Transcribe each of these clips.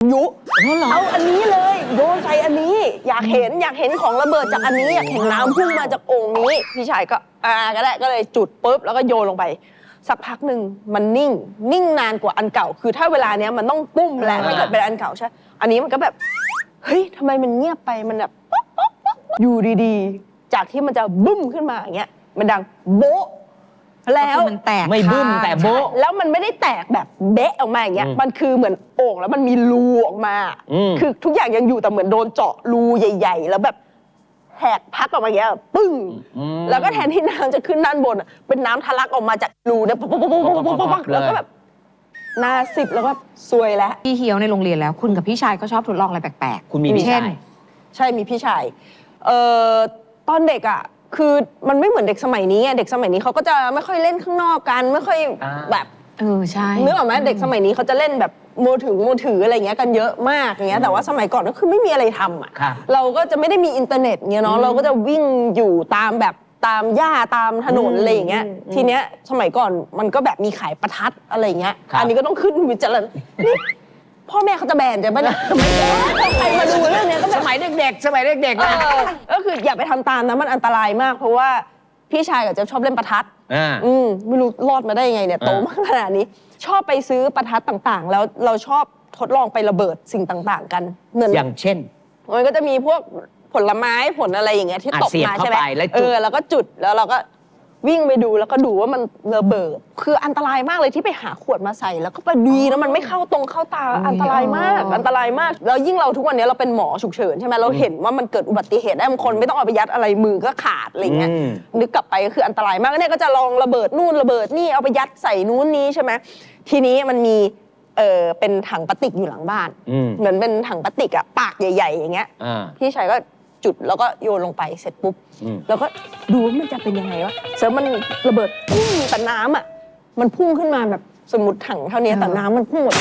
ยุเอาอันนี้เลยโยนใส่อันนี้อยากเห็นของระเบิดจากอันนี้อยากเห็นน้ำพุ่งมาจากโอ่งนี้พี่ชายก็ก็ได้ก็เลยจุดปุ๊บแล้วก็โยนลงไปสักพักหนึ่งมันนิ่งนานกว่าอันเก่าคือถ้าเวลาเนี้ยมันต้องปุ้มแหละถ้าเกิดเป็นอันเก่าใช่อันนี้มันก็แบบเฮ้ยทำไมมันเงียบไปมันแบบอยู่ดีๆจากที่มันจะบึ้มขึ้นมาอย่างเงี้ยมันดังโบ๊ะแล้วมันแตกไม่บึ้มแต่โบ๊ะแล้วมันไม่ได้แตกแบบเบะออกมาอย่างเงี้ยมันคือเหมือนโอ่งแล้วมันมีรูออกมาคือทุกอย่างยังอยู่แต่เหมือนโดนเจาะรูใหญ่ๆแล้วแบบแหกพักออกมาอย่างเงี้ยปึ้งแล้วก็แทนที่น้ำจะขึ้นด้านบนเป็นน้ำทะลักออกมาจากรูเนี่ยแล้วก็แบบหน้าสิบแล้วก็ซวยแล้วพี่เฮียวในโรงเรียนแล้วคุณกับพี่ชายก็ชอบทดลองอะไรแปลกๆคุณมีพี่ชายใช่มีพี่ชายตอนเด็กอ่ะคือมันไม่เหมือนเด็กสมัยนี้เด็กสมัยนี้เขาก็จะไม่ค่อยเล่นข้างนอกกันไม่ค่อยแบบใช่นึกออกไหมเด็กสมัยนี้เขาจะเล่นแบบมือถืออะไรเงี้ยกันเยอะมากอย่างเงี้ยแต่ว่าสมัยก่อนก็คือไม่มีอะไรทำอ่ะเราก็จะไม่ได้มีอินเทอร์เน็ตเงี้ยเนาะเราก็จะวิ่งอยู่ตามแบบตามหญ้าตามถนนอะไรอย่างเงี้ยทีเนี้ยสมัยก่อนมันก็แบบมีขายประทัดอะไรเงี้ยอันนี้ก็ต้องขึ้นวิจารณ์พ่อแม่เขาจะแบนใช่ไหมเนี่ยใครมาดูเรื่องนี้ก็แบบสมัยเด็กๆก็คืออย่าไปทำตามนะมันอันตรายมากเพราะว่าพี่ชายกับเจ๊ชอบเล่นประทัดไม่รู้รอดมาได้ยังไงเนี่ยโตมาขนาดนี้ชอบไปซื้อประทัดต่างๆแล้วเราชอบทดลองไประเบิดสิ่งต่างๆกันเหมือนอย่างเช่นมันก็จะมีพวกผลไม้ผลอะไรอย่างเงี้ยที่ตกมาใช่ไหมแล้วก็จุดแล้วเราก็วิ่งไปดูแล้วก็ดูว่ามันระเบิดคืออันตรายมากเลยที่ไปหาขวดมาใส่แล้วก็ไปดีแล้วมันไม่เข้าตาอันตรายมากแล้วยิ่งเราทุกวันนี้เราเป็นหมอฉุกเฉินใช่ไหมเราเห็นว่ามันเกิดอุบัติเหตุได้บางคนไม่ต้องเอาไปยัดอะไรมือก็ขาดอะไรเงี้ยนึกกลับไปก็คืออันตรายมากเนี่ยก็จะลองระเบิดนู่นระเบิดนี่เอาไปยัดใส่นู้นนี้ใช่ไหมทีนี้มันมีเป็นถังพลาสติกอยู่หลังบ้านเหมือนเป็นถังพลาสติกอะปากใหญ่ๆอย่างเงี้ยพี่ชายก็จุดแล้วก็โยนลงไปเสร็จปุ๊บแล้วก็ดูว่ามันจะเป็นยังไงวะเสร็จมันระเบิดพุ่งแต่น้ำอ่ะมันพุ่งขึ้นมาแบบสมมติถังเท่านี้แต่น้ำมันพุ่งหมด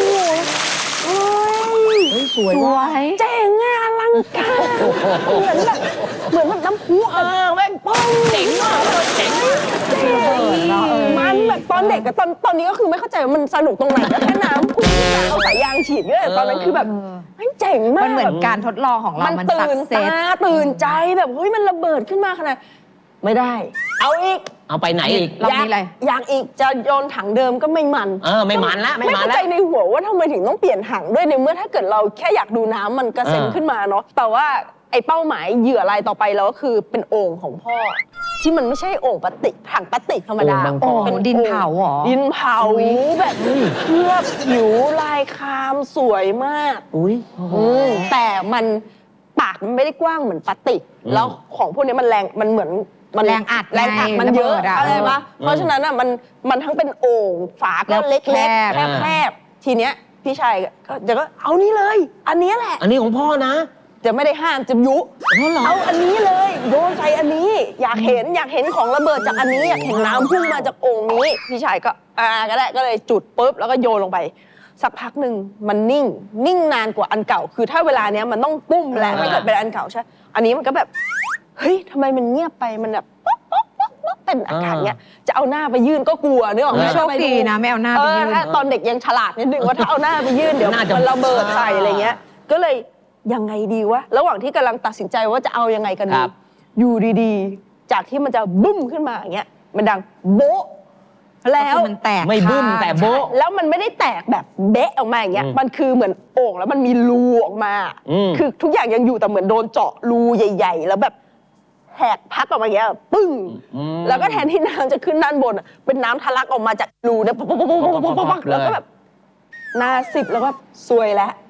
สวยเจ๋งอ่ะอลังการเหมือนน้ำพุแม่งป้องเจ๋งมากเจ๋งมันแบบตอนเด็กกับตอนนี้ก็คือไม่เข้าใจว่ามันสนุกตรงไหนแล้วแค่น้ำพุ่งเอาสายยางฉีดเนี่ยตอนนั้นคือแบบเจ๋งมากมันเหมือนการทดลองของเรามันตื่นตาตื่นใจแบบเฮ้ยมันระเบิดขึ้นมาขนาดไม่ได้เอาอีกเอาไปไหนอีกอยากอีกจะโยนถังเดิมก็ไม่มันไม่มันละไม่เข้าใจในหัวว่าทำไมถึงต้องเปลี่ยนถังด้วยในเมื่อถ้าเกิดเราแค่อยากดูน้ำมันกระเซ็นขึ้นมาเนาะแต่ว่าไอ้เป้าหมายเหยื่อรายต่อไปเราก็คือเป็นโอ่งของพ่อที่มันไม่ใช่โอ่งพลาสติกถังพลาสติกธรรมดาเป็นดินเผาหรอดินเผาแบบเคลือบผิวลายคามสวยมากแต่มันปากมันไม่ได้กว้างเหมือนพลาสติกแล้วของพวกนี้มันแรงมันเหมือนแรงอัดมันเยอะอะไรปะเพราะฉะนั้นอ่ะมันทั้งเป็นโอ่งฝาก็เล็กๆแคบทีเนี้ยพี่ชายก็เอานี่เลยอันนี้แหละอันนี้ของพ่อนะจะไม่ได้ห้ามจะยุเอาอันนี้เลยโยนใส่อันนี้อยากเห็นของระเบิดจากอันนี้อยากเห็นน้ำพุ่งมาจากโอ่งนี้พี่ชายก็ก็ได้ก็เลยจุดปุ๊บแล้วก็โยนลงไปสักพักหนึ่งมันนิ่งนานกว่าอันเก่าคือถ้าเวลาเนี้ยมันต้องปุ้มแหละถ้าเกิดเป็นอันเก่าใช่อันนี้มันก็แบบเฮ้ยทำไมมันเงียบไปมันแบบเป็นอาการเนี้ยจะเอาหน้าไปยื่นก็กลัวนึกออกไหมโชคดีนะไม่เอาหน้าไปยื่นตอนเด็กยังฉลาดนิดนึงว่าถ้าเอาหน้าไปยื่นเดี๋ยวมันระเบิดใส่อะไรเงี้ยก็เลยยังไงดีวะระหว่างที่กำลังตัดสินใจว่าจะเอายังไงกันดีอยู่ดีๆจากที่มันจะบึ้มขึ้นมาอย่างเงี้ยมันดังโบ๊ะแล้วมันแตกไม่บึ้มแต่โบ๊ะแล้วมันไม่ได้แตกแบบเบะออกมาอย่างเงี้ยมันคือเหมือนโอ่งแล้วมันมีรูออกมาคือทุกอย่างยังอยู่แต่เหมือนโดนเจาะรูใหญ่ๆแล้วแบบแหกพักออกมาอย่างเงี้ยปึ้งแล้วก็แทนที่น้ำจะขึ้นด้านบนเป็นน้ำทะลักออกมาจากรูเนี่ยแล้วก็แบบหน้าสิบแล้วก็ซวยแล้ว